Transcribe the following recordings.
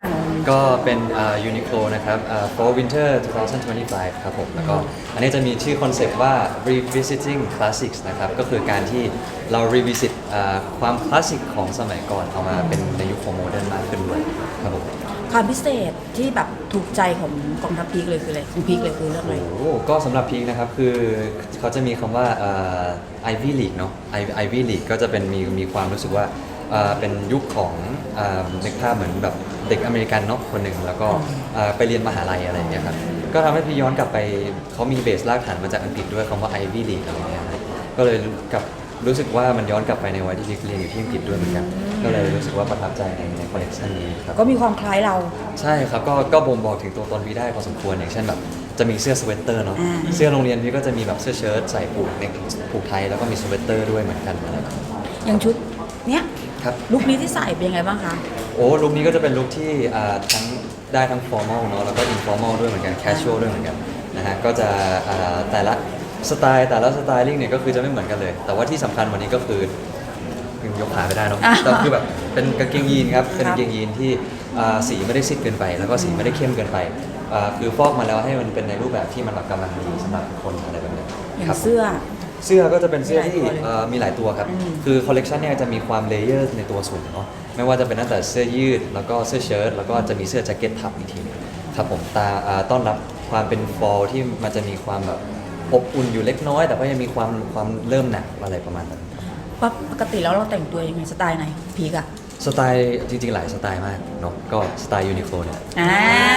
ก็เป็นUniqlo นะครับFall Winter 2025 ครับผมแล้วก็อันนี้จะมีชื่อคอนเซปต์ว่า Revisiting Classics นะครับก็คือการที่เรา revisit ความคลาสสิกของสมัยก่อนเอามาเป็นในยุคของโมเดิร์นมากขึ้นด้วยครับผมความพิเศษที่แบบถูกใจของกองทัพพีคเลยคืออะไรของพีคเลยคือเรื่องอะไรโอ้ก็สำหรับพีคนะครับคือเขาจะมีคำว่าIvy League เนาะIvy League ก็จะเป็นมีความรู้สึกว่าเป็นยุคของนึกภาพเหมือนแบบเด็กอเมริกันเนาะคนหนึ่งแล้วก็ไปเรียนมหาลัยอะไรอย่างเงี้ยครับก็ทำให้พี่ย้อนกลับไปเขามีเบสรากฐานมาจากอังกฤษด้วยคำว่า Ivy League อะไรเงี้ยครับก็เลยรู้สึกว่ามันย้อนกลับไปในวัยที่เรียนอยู่ที่อังกฤษด้วยเหมือนกันก็เลยรู้สึกว่าประทับใจในคอลเลกชันนี้ครับก็มีความคล้ายเราใช่ครับก็บ่งบอกถึงตัวตนพี่ได้พอสมควรอย่างเช่นแบบจะมีเสื้อสเวตเตอร์เนาะเสื้อโรงเรียนพี่ก็จะมีแบบเสื้อเชิ้ตใส่ผูกไทยแล้วก็มีสเวตเตอร์ด้วยเหมือนกันอะไรแบบนี้อย่างชุดเนี้ยครับลุคนี้ที่ใส่เป็นยังไงบ้างคะโอ้ลุคนี้ก็จะเป็นลุคที่ทั้งได้ทั้ง formal เนาะแล้วก็ informal ด้วยเหมือนกัน casual ด้วยเหมือนกันนะฮะก็จะแต่ละสไตลิ่งเนี่ยก็คือจะไม่เหมือนกันเลย แต่ว่าที่สำคัญวันนี้ก็คือยังยกขาไม่ได้เนาะแต่คือแบบเป็นกางเกงยีนครับเป็นกางเกงยีนที่สีไม่ได้ซิดเกินไป แล้วก็สีไม่ได้เข้มเกินไปคือฟอกมาแล้วให้มันเป็นในรูปแบบที่มันแบบกำลังดีสำหรับคนอะไรแบบนี้อย่าครังบเสื้อเสื้อก็จะเป็นเสื้อที่มีหลายตัวเลยมีหลายตัวครับ คือคอลเลกชันเนี่ยจะมีความเลเยอร์ในตัวสูงเนาะ ไม่ว่าจะเป็นตั้งแต่เสื้อยืด แล้วก็เสื้อเชิ้ต แล้วก็จะมีเสื้อแจ็คเก็ตทับอีกทีหนึงครับผมต้อนรับความเป็นฟอลที่มันจะมีความแบบอบอุ่นอยู่เล็กน้อย แต่ก็ยังมีความเริ่มหนักอะไรประมาณนั้นครับปกติแล้วเราแต่งตัวยังไงสไตล์ไหนพีกอะสไตล์จริงๆหลายสไตล์มากเนาะ ก็สไตล์ยูนิโคลเนี่ยอ่า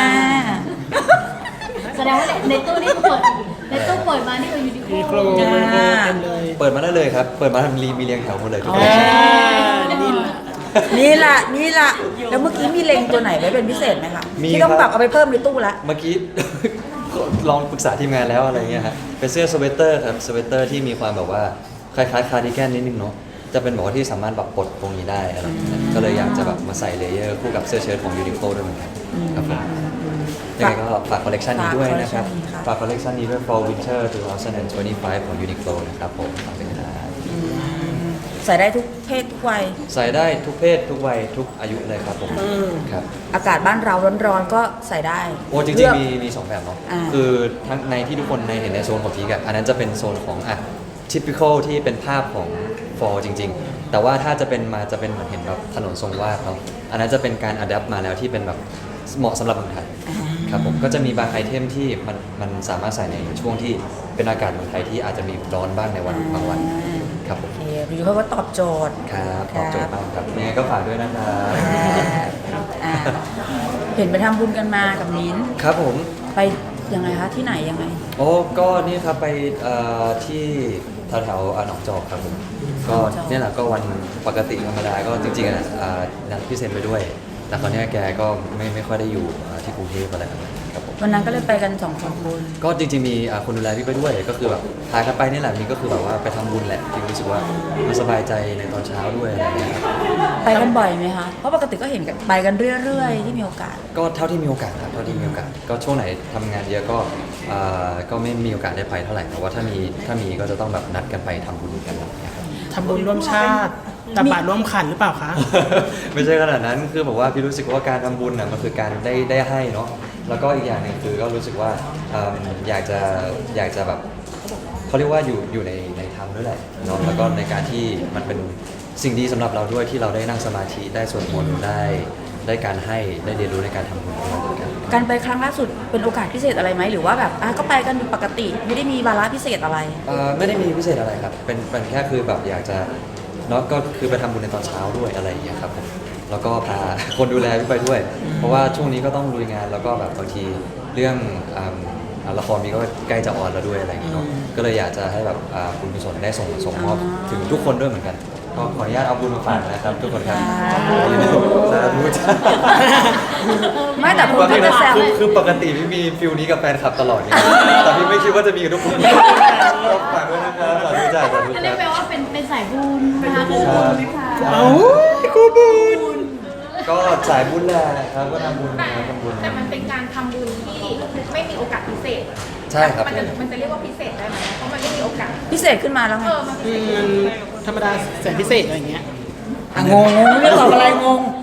แสดงว่าในตู้นี่เปิดในตู้เปิดมานี่คือยูนิโคมีโครลเต็มเลยเปิดมาได้เลยครับ เปิดมาทำมีเรียงแถวหมดเลยทุกคอ่านเลคชั่นนี่แหละแล้วเมื่อกี้มีเล็งตัวไหนไว้เป็นพิเศษไหมคะมีที่ต้องครับแบบเอาไปเพิ่มในตู้ละเมื่อกี้ ลองปรึกษาทีมงานแล้วอะไรเงี้ยฮะเป็นเสื้อสเวตเตอร์ครับสเวตเตอร์ที่มีความแบบว่าคล้ายๆคาร์ดิแกนนิดนึงเนาะจะเป็นแบบว่าที่สามารถแบบปลดตรงนี้ได้อะไรอย่างเงี้ยก็เลยอยากจะแบบมาใส่เลเยอร์คู่กับเสื้อเชิ้ตของยูนิโคลด้วยเหมือนกันครับผมยังไงก็ฝากคอลเลกชันนี้ด้วยนะครับฝากคอลเลกชันนี้ด้วย Fall Winter 2025 ของ Uniqlo นะครับผมฝากด้วยนะครับใส่ได้ทุกเพศทุกวัยใส่ได้ทุกเพศทุกวัยทุกอายุเลยครับผมครับอากาศบ้านเราร้อนๆก็ใส่ได้โอ้จริงเลือกๆมีสองแบบเนาะอ่าคือทั้งในที่ทุกคนในเห็นในโซนของพีกอะอันนั้นจะเป็นโซนของtypical ที่เป็นภาพของ fall จริง ๆ แต่ว่าถ้าจะเป็นเหมือนเห็นแบบถนนทรงวาดเนาะอันนั้นจะเป็นการ adapt มาแล้วที่เป็นแบบเหมาะสำหรับเมืองไทยครับผมก็จะมีบางไอเทมที่มันสามารถใส่ในช่วงที่เป็นอากาศเมืองไทยที่อาจจะมีร้อนบ้างในวันบางวันครับผมโอเคพี่เขาก็ตอบโจทย์ครับตอบโจทย์มากครับยังไงก็ฝากด้วยนะครับอ่าเห็นไปทำบุญกันมากับมิ้นครับผมไปยังไงคะที่ไหนยังไงโอ้ก็นี่ครับไปที่แถวๆหนองจอกครับผมก็เนี่ยแหละก็วันปกติธรรมดาก็จริงๆนัดพี่เซนไปด้วย แต่คราวเนี้ยแกก็ไม่ค่อยได้อยู่ที่กรุงเทพอะไรแบบนั้นครับผมวันนั้นก็เลยไปกันสองคนก็จริงๆมีคนดูแลพี่ไปด้วยก็คือแบบพากันไปนี่แหละมีก็คือแบบว่าไปทำบุญแหละที่รู้สึกว่ามันสบายใจในตอนเช้าด้วยอะไรอย่างเงี้ยครับไปกันบ่อยไหมคะ เพราะปกติก็เห็นกันไปกันเรื่อยๆ ที่มีโอกาสก็เท่าที่มีโอกาสครับเท่าที่มีโอกาสก็ช่วงไหนทำงานเยอะก็ไม่มีโอกาสได้ไปเท่าไหร่แต่ว่าถ้ามีก็จะต้องแบบนัดกันไปทำบุญกันอะไรอย่างเงี้ยครับทำบุญร่วมชาติตักบาตรร่วมขันหรือเปล่าคะไม่ใช่ขนาดนั้นคือแบบว่าพี่รู้สึกว่าการทำบุญน่ะมันคือการได้ให้เนาะแล้วก็อีกอย่างหนึ่งคือก็รู้สึกว่าอยากจะแบบเขาเรียกว่าอยู่ในธรรมด้วยแหละเนาะแล้วก็ในการที่มันเป็นสิ่งดีสำหรับเราด้วยที่เราได้นั่งสมาธิได้สวดมนต์ได้การให้ได้เรียนรู้ในการทำบุญด้วยเหมือนกันการไปครั้งล่าสุดเป็นโอกาสพิเศษอะไรไหมหรือว่าแบบก็ไปกันปกติไม่ได้มีวาระพิเศษอะไรไม่ได้มีพิเศษอะไรครับเป็นแค่คือแบบอยากจะเนาะก็คือไปทำบุญในตอนเช้าด้วยอะไรอย่างเงี้ยครับผมแล้วก็พาคนดูแลพี่ไปด้วย เพราะว่าช่วงนี้ก็ต้องลุยงานแล้วก็แบบบางทีเรื่องละครมีก็ใกล้จะออนแล้วด้วยอะไรอย่างเงี้ยเนาะก็เลยอยากจะให้แบบคุณกุศลได้ส่งมอบถึงทุกคนด้วยเหมือนกันก็ขออนุญาตเอาบุญมาฝากนะครับทุกคนครับสาธุจ้าไม่แต่คุณก็จะแซวคือปกติพี่มีฟิลนี้กับแฟนคลับตลอดไงแต่พี่ไม่คิดว่าจะมีกับทุกคนก็ฝากด้วยนะครับสาธุจ้าสาธุอันจ้านี้แปลว่าเป็นสายบุญนะคะคือบุญไหมคะเอ้ากูบุญก็สายบุญแหละครับก็ทำบุญนะทำบุญแต่มันเป็นการทำบุญที่ไม่มีโอกาสพิเศษใช่ครับมันจะเรียกว่าพิเศษได้ไหมเพราะมันไม่มีโอกาสพิเศษขึ้นมาแล้วไงมันพิเศษมันธรรมดาแสนพิเศษอะไรอย่างเงี้ยงงไม่รู้ตอบอะไรงง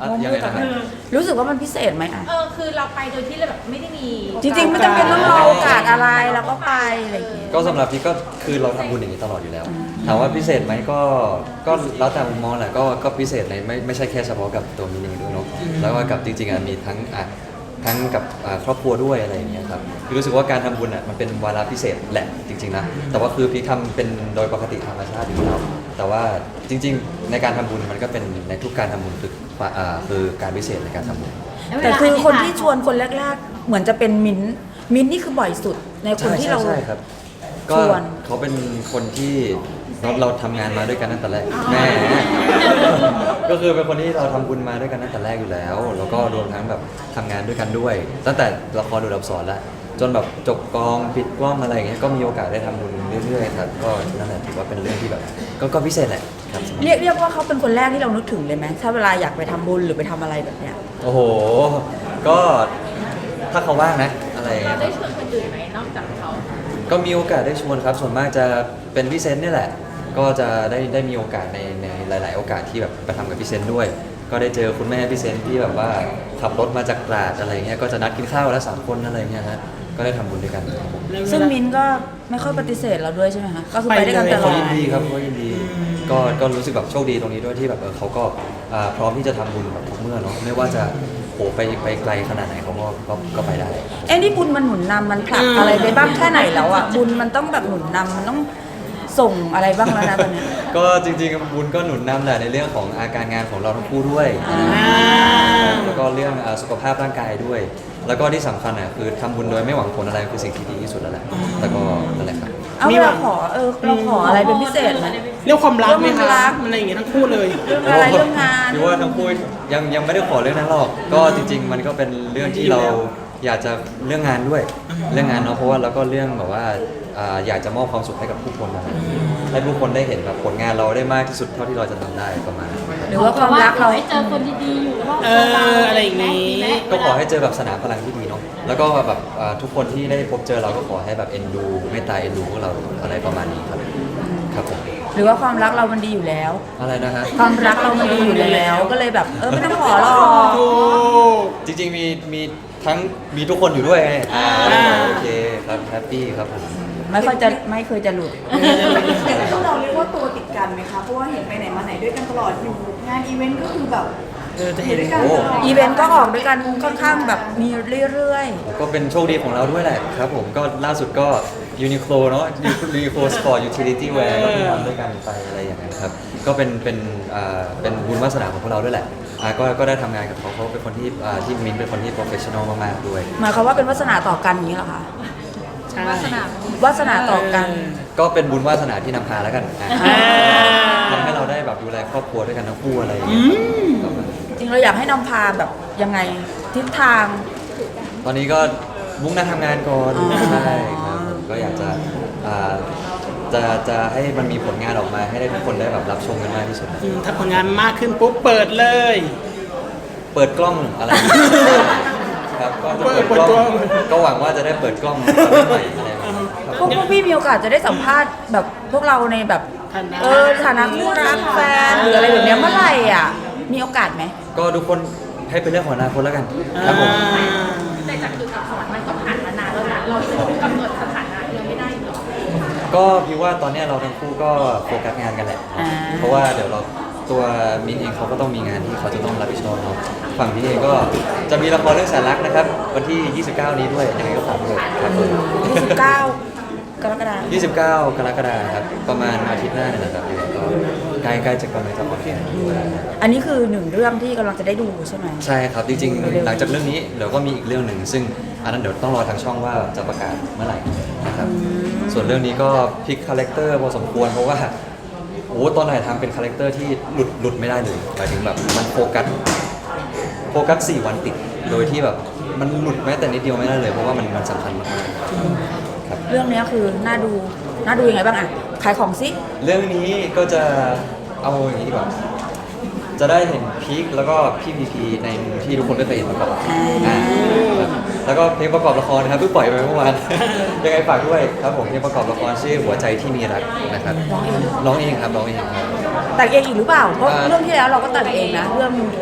อ่ะยังไงนะครับรู้สึกว่ามันพิเศษไหมอ่ะคือเราไปโดยที่เราแบบไม่ได้มีจริงๆไม่จำเป็นต้องรอโอกาสอะไรเราก็ไปอะไรอย่างเงี้ยก็สำหรับพี่ก็คือเราทำบุญอย่างนี้ตลอดอยู่แล้วถามว่าพิเศษไหมก็แล้วแต่มุมมองแหละก็พิเศษในไม่ใช่แค่เฉพาะกับตัวมินเองด้วยเนาะแล้วก็กับจริงๆมีทั้งกับครอบครัวด้วยอะไรอย่างเงี้ยครับคือรู้สึกว่าการทำบุญมันเป็นวาระพิเศษแหละจริงๆนะแต่ว่าคือพี่ทำเป็นโดยปกติธรรมชาติอยู่แล้วแต่ว่าจริงๆในการทำบุญมันก็เป็นในทุกการทำบุญคือการพิเศษในการทำบุญแต่คือคนที่ชวนคนแรกๆ เหมือนจะเป็นมิ้นท์นี่คือบ่อยสุดในคนที่เราใช่ครับก็ชวนเขาเป็นคนที่เราทำงานมาด้วยกันตั้งแต่แรกแม่ ก็คือเป็นคนที่เราทำบุญมาด้วยกันตั้งแต่แรกอยู่แล้วแล้วก็รวมทั้งแบบทำงานด้วยกันด้วย ตั้งแต่ละครดูดับสอนแล้วจนแบบจบกองปิดกล้องอะไรอย่างเงี้ยก็มีโอกาสได้ทำบุญเรื่อยๆครับก็นั่นแหละถือว่าเป็นเรื่องที่แบบก็พิเศษแหละครับเรียกว่าเขาเป็นคนแรกที่เรานึกถึงเลยไหมถ้าเวลาอยากไปทำบุญหรือไปทำอะไรแบบเนี้ยโอ้โหก็ถ้าเขาว่างนะอะไรอย่างเราเงี้ยได้ชวนคนอื่นไหมนอกจากเขาก็มีโอกาสได้ชวนครับส่วนมากจะเป็นพี่เซนต์นี่แหละ ก็จะได้มีโอกาสในหลาย ๆ โอกาสที่แบบไปทำกับพี่เซนต์ด้วย ก็ได้เจอคุณแม่พี่เซนต์ที่แบบว่าขับรถมาจากตราดอะไรเงี้ยก็จะนัดกินข้าวแล้ว3 คนอะไรเงี้ยฮะก็ได้ทำบุญด้วยกันครับผมซึ่งมิ้นท์ก็ไม่ค่อยปฏิเสธเราด้วยใช่ไหมคะก็คือไปด้วยกันตลเขาอดยินดีครับเขายินดีก็รู้สึกแบบโชคดีตรงนี้ด้วยที่แบบเขาก็พร้อมที่จะทำบุญแบบทุกเมื่อเนาะไม่ว่าจะโหไปไกลขนาดไหนเขาก็ไปได้เอ้นี่บุญมันหนุนนำมันผลักอะไรไปบ้างแค่ไหนแล้วอ่ะบุญมันต้องแบบหนุนนำมันต้องส่งอะไรบ้างแล้วนะตอนเนี้ยก็จริงๆบุญก็หนุนนำแหละในเรื่องของอาการงานของเราทั้งคู่ด้วยแล้วก็เรื่องสุขภาพร่างกายด้วย แล้วก็ที่สำคัญคือทำบุญโดยไม่หวังผลอะไรคือสิ่งที่ดีที่สุดแล้วแหละแต่ก็นั่นแหละครับเอาเวลาขอเราขออะไรเป็นพิเศษไหมเรื่องความรักไหมเรื่องคะรักอะไรอย่างเงี้ยทั้งคู่เลยเรื่องอะไรเรื่องงานพี่ว่าทั้งคู่ยังไม่ได้ขอเรื่องนั้นหรอกก็จริง ๆ มันก็เป็นเรื่องที่เราอยากจะเรื่องงานด้วยเรื่องงานเนาะเพราะว่าแล้วก็เรื่องแบบว่าอยากจะมอบความสุขให้กับผู้คนนะให้ผู้คนได้เห็นแบบผลงานเราได้มากที่สุดเท่าที่เราจะทำได้ประมาณนั้นหรือว่าความรักเราให้เจอคนดีๆอยู่รอบเอตัวเราอะไรอย่างงี้ก็ขอให้เจอแบบสนามพลังที่ดีเนาะแล้วก็แบบทุกคนที่ได้พบเจอเราก็ขอให้แบบเอ็นดูเมตตาเอ็นดูพวกเราอะไรประมาณนี้ครับครับผมหรือว่าความรักเรามันดีอยู่แล้วอะไรนะฮะความรักเรามันดีอยู่แล้วก็เลยแบบไม่ต้องขอหรอกถูกจริงๆมีทั้งมีทุกคนอยู่ด้วยไงโอเคครับแฮปปี้ครับผมไม่เคยจะหลุดแต่พวกเราเรียกว่าตัวติดกันไหมคะ เพราะว่าเห็นไปไหนมาไหนด้วยกันตลอดอยู่งานอีเวนต์ก็คือแบบจะเห็นด้วยกันตลอดอีเวนต์ก็ออกด้วยกันค่อนข้างแบบมีเรื่อยก็เป็นโชคดีของเราด้วยแหละครับผมก็ล่าสุดก็ Uniqlo เนาะ Uniqlo Sport Utility Wear ก็ทำด้วยกันไปอะไรอย่างเงี้ยครับก็เป็นบุญวาสนาของพวกเราด้วยแหละก็ได้ทำงานกับเขาเป็นคนที่มินเป็นคนที่ professional มากๆด้วยๆหมายความว่าเป็นวาสนาต่อกันอย่างนี้เหรอคะใช่วาสนาต่อกันก็เป็นบุญวาสนาที่นำพาแล้วกันอ่าทำให้เราได้แบบดูแลครอบครัวด้วยกันทั้งคู่อะไรอย่างเงี้ยประมาณนั้นจริงเราอยากให้นำพาแบบยังไงทิศทางตอนนี้ก็มุ่งหน้าทำงานก่อนอ๋อใช่ครับผมก็อยากจะให้มันมีผลงานออกมาให้ได้ทุกคนได้แบบรับชมกันมากที่สุดนะถ้าผลงานมากขึ้นปุ๊บเปิดเลยเปิดกล้องอะไรอย่างเงี้ยครับก็จะเปิดกล้องก็หวังว่าจะได้เปิดกล้องใหม่อะไรแบบนี้ครับพวกพี่มีโอกาสจะได้สัมภาษณ์แบบพวกเราในแบบ ฐานะคู่รักแฟนหรืออะไรแบบเนี้ยเมื่อไหร่อ่ะมีโอกาสไหมก็ทุกคนให้เป็นเรื่องของอนาคตแล้วกันครับผมแต่จากจุดอักษรมันก็ผ่านมานานแล้วนะเราจะกำหนดสถานะยังไม่ได้หรอกก็พี่ว่าตอนเนี้ยเราทั้งคู่ก็โฟกัสงานกันแหละ เพราะว่าเดี๋ยวเราตัวมินเองเขาก็ต้องมีงานที่เขาจะต้องรับผิดชอบเนาะฝั่งพี่เองก็จะมีละครเรื่องแสนรักนะครับ วันที่ 29 นี้ด้วยยังไงก็ฝากด้วยครับผม 29 กรกฎาคม 29 กรกฎาคมครับประมาณอาทิตย์หน้าเนี่ยนะครับยังไงก็ใกล้ๆจะกำลังจะออนแอร์ด้วยอันนี้คือหนึ่งเรื่องที่กำลังจะได้ดูใช่ไหมใช่ครับจริงๆหลังจากเรื่องนี้เดี๋ยวก็มีอีกเรื่องหนึ่งซึ่งอันนั้นเดี๋ยวต้องรอทางช่องว่าจะประกาศเมื่อไหร่นะครับส่วนเรื่องนี้ก็พลิกคาแรคเตอร์พอสมควรเพราะว่าโอ้ตอนไหนทำเป็นคาแรคเตอร์ที่หลุดไม่ได้เลยหมายถึงแบบมันโฟกัส4 วันติดโดยที่แบบมันหลุดแม้แต่นิดเดียวไม่ได้เลยเพราะว่ามันสำคัญมากๆครับเรื่องเนี้ยคือน่าดูยังไงบ้างอ่ะขายของซิเรื่องนี้ก็จะเอาอย่างนี้ดีกว่า จะได้เห็นพีคแล้วก็พี่พีพีในมุมที่ทุกคนไม่เคยเห็นมาก่อนครับแล้วก็เพลงประกอบละครนะครับเพิ่งปล่อยไปเมื่อวาน ยังไงฝากด้วยครับผมเพลงประกอบละครชื่อหัวใจที่มีรักนะครับร้องเองครับแต่งเองอีกหรือเปล่าเพราะเรื่องที่แล้วเราก็แต่งเองนะเรื่อง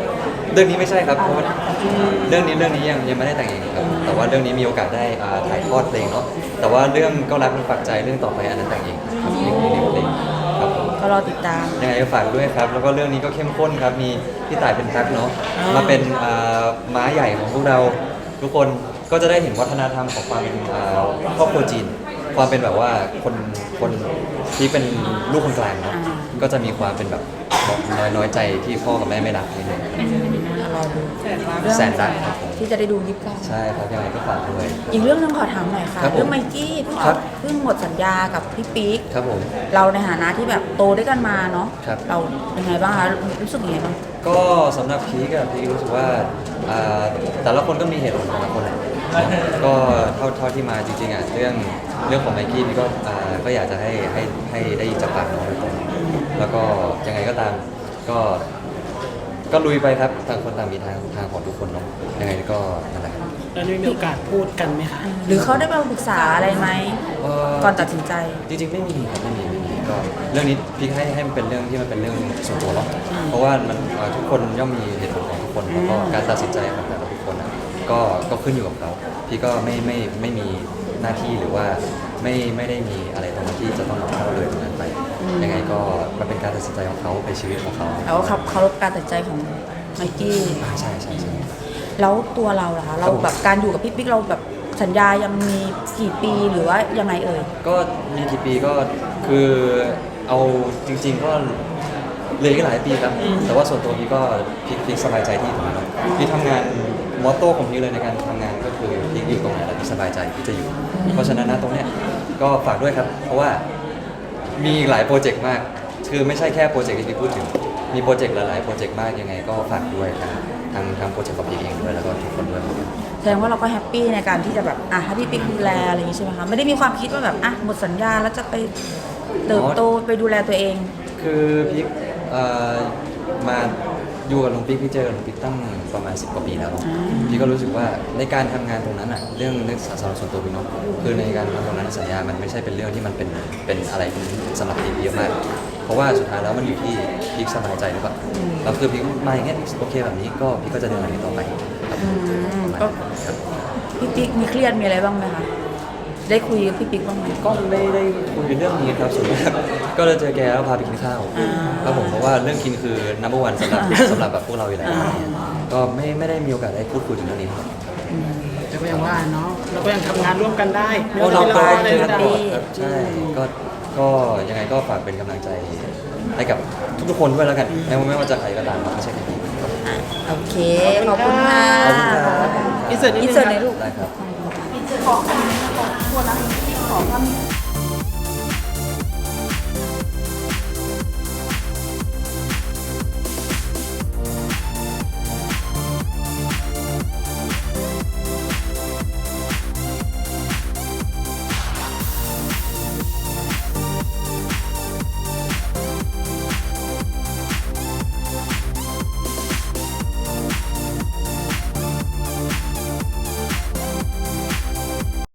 เรื่องนี้ไม่ใช่ครับเพราะว่าเรื่องนี้ยังไม่ได้แต่งเองครับแต่ว่าเรื่องนี้มีโอกาสได้ถ่ายทอดเพลงเนาะแต่ว่าเรื่องก็รักมันฝากใจเรื่องต่อไปอันนั้นแต่งเองครับเพลงครับผมก็รอติดตามยังไงก็ฝากด้วยครับแล้วก็เรื่องนี้ก็เข้มข้นครับมีพี่ต่ายเป็นทักเนาะมาเป็นม้าใหญ่ของพวกเราทุกคนก็จะได้เห็นวัฒนธรรมของความเป็นครอบครัวจีน ความเป็นแบบว่าคนที่เป็นลูกคนกลางเนาะก็จะมีความเป็นแบบน้อยใจที่พ่อกับแม่ไม่รักนิดนึงรอดูแสนรักครับผมที่จะได้ดูยิบกันใช่ครับยังไงก็ฝากด้วยอีกเรื่องนึงขอถามหน่อยค่ะครับผมเรื่องไมกี้เพิ่งครับเพิ่งหมดสัญญากับพี่ปิ๊กครับผมเราในฐานะที่แบบโตด้วยกันมาเนาะครับเรายังไงบ้างคะรู้สึกยังไงบ้างก็สำหรับพีคอะพีครู้สึกว่าแต่ละคนก็มีเหตุผลของแต่ละคนแหละก็เท่าที่มาจริงๆอะเรื่องของไมค์พี่ก็ก็อยากจะให้ได้ยินจากปากน้องโดยตรงแล้วก็ยังไงก็ตามก็ลุยไปครับต่างคนต่างมีทางของทุกคนเนาะยังไงก็นั่นแหละครับแล้วได้มีโอกาสพูดกันไหมคะหรือเขาได้มาปรึกษาอะไรไหมก่อนตัดสินใจจริงๆไม่มีครับไม่มีก็เรื่องนี้พี่ให้มันเป็นเรื่องที่มันเป็นเรื่องส่วนตัวเนาะเพราะว่ามันทุกคนย่อมมีเหตุผลของทุกคนแล้วก็การตัดสินใจของแต่ละบุคคลนะก็ขึ้นอยู่กับเขาพี่ก็ไม่มีหน้าที่หรือว่าไม่ได้มีอะไรตรงนั้นที่จะต้องเข้าเลยตรงนั้นไปยังไงก็มันเป็นการตัดสินใจของเขาเป็นชีวิตของเขาแล้วก็เคารพการตัดสินใจของไมกี้ใช่แล้วตัวเราล่ะคะเราแบบการอยู่กับพี่ปิ๊กเราแบบสัญญายังมีกี่ปีหรือว่ายังไงเอ่ยก็มีกี่ปีก็คือเอาจริง ๆ ก็เลยก็หลายปีครับแต่ว่าส่วนตัวพี่ก็พี่สบายใจที่ตรงนั้นเนาะพี่ทำงานมอตโต้ของพี่เลยในการทำงานก็คือพี่อยู่ตรงไหนแล้วพี่สบายใจพี่จะอยู่ เพราะฉะนั้นนะตรงเนี้ยก็ฝากด้วยครับ เพราะว่ามีอีกหลายโปรเจกต์มาก คือไม่ใช่แค่โปรเจกต์ที่พี่พูดถึงมีโปรเจกต์หลายๆโปรเจกต์มากยังไงก็ฝากด้วยทางโปรเจกต์ของพี่เองด้วยแล้วก็ทุกคนด้วยแสดงว่าเราก็แฮปปี้ในการที่จะแบบให้พี่ปิ๊กดูแลอะไรอย่างนี้ใช่ไหมคะไม่ได้มีความคิดว่าแบบหมดสัญญาแล้วจะไปเติบโตไปดูแลตัวเองคือพี่มาอยู่กับลุงปิ๊กพี่เจอลุงปิ๊กตั้งประมาณ10 กว่าปีแล้วเนอะพี่ก็รู้สึกว่าในการทำงานตรงนั้นอ่ะเรื่องสำหรับส่วนตัวพี่เนาะคือในการทำตรงนั้นสัญญามันไม่ใช่เป็นเรื่องที่มันเป็นอะไรสำหรับพี่เยอะมาก เพราะว่าสุดท้ายแล้วมันอยู่ที่พี่สบายใจหรือเปล่าแล้วคือพี่มาอย่างเงี้ยโอเคแบบนี้ก็พี่ก็จะเดินแบบนี้ต่อไปครับก็ครับพี่ปิ๊กมีเครียดมีอะไรบ้างไหมคะได้คุยกับพี่ปิ๊กบ้างไหมก็ไม่ได้คุยเรื่องนี้ครับส่วนมากก็เลยเจอแกแล้วพาไปกินข้าวครับผมเพราะว่าเรื่องกินคือ number one สำหรับแบบพวกเราอยู่แล้วก็ไม่ได้มีโอกาสได้พูดคุยถึงเรื่องนี้ครับแต่ก็ยังว่าเนาะเราก็ยังทำงานร่วมกันได้ไม่โอ้ว่าเราจะก็เป็นเราอะไรเจอก็กันได้ตลอดครับใช่ก็ยังไงก็ฝากเป็นกำลังใจให้กับทุกๆคนด้วยแล้วกันไม่ว่าจะใครก็ตามไม่ใช่แค่พี่ครับโอเคขอบคุณค่ะขอบคุณครับอินเสิร์ตนิดอินนึงเสิร์ตคในรับลูกได้ครับขอตัวนะขอภาพ